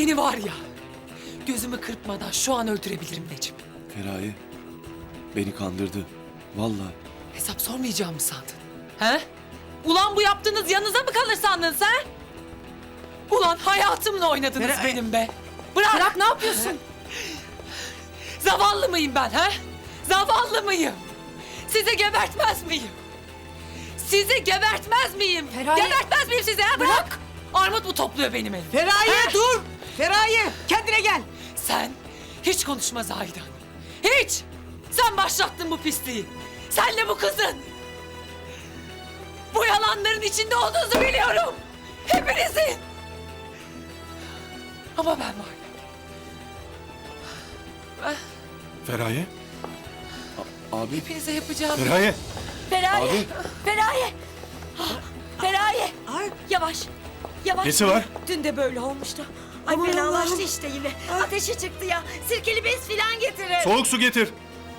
Seni var ya, gözümü kırpmadan şu an öldürebilirim Necip. Feraye beni kandırdı. Vallahi. Hesap sormayacağımı sandın. He? Ulan bu yaptığınız yanınıza mı kalır sandın sen? Ulan hayatımla oynadınız benim be. Bırak. Bırak, ne yapıyorsun? Zavallı mıyım ben he? Zavallı mıyım? Sizi gebertmez miyim? Sizi gebertmez miyim? Feraye. Gebertmez miyim sizi ha? Bırak. Armut mu topluyor benim elim? Feraye He? dur! Feraye kendine gel. Sen hiç konuşma Zahide Hanım. Hiç! Sen başlattın bu pisliği. Senle bu kızın. Bu yalanların içinde olduğunuzu biliyorum. Hepinizin. Ama ben var. Feraye. Abi. Hepinize yapacağım. Feraye. Feraye! Abi. Feraye! Feraye! Ay. Yavaş! Yavaş! Nesi var? Dün de böyle olmuştu. Ay Aman fenalaştı Allah'ım. işte yine. Ateşi çıktı ya. Sirkeli bez filan getirin. Soğuk su getir.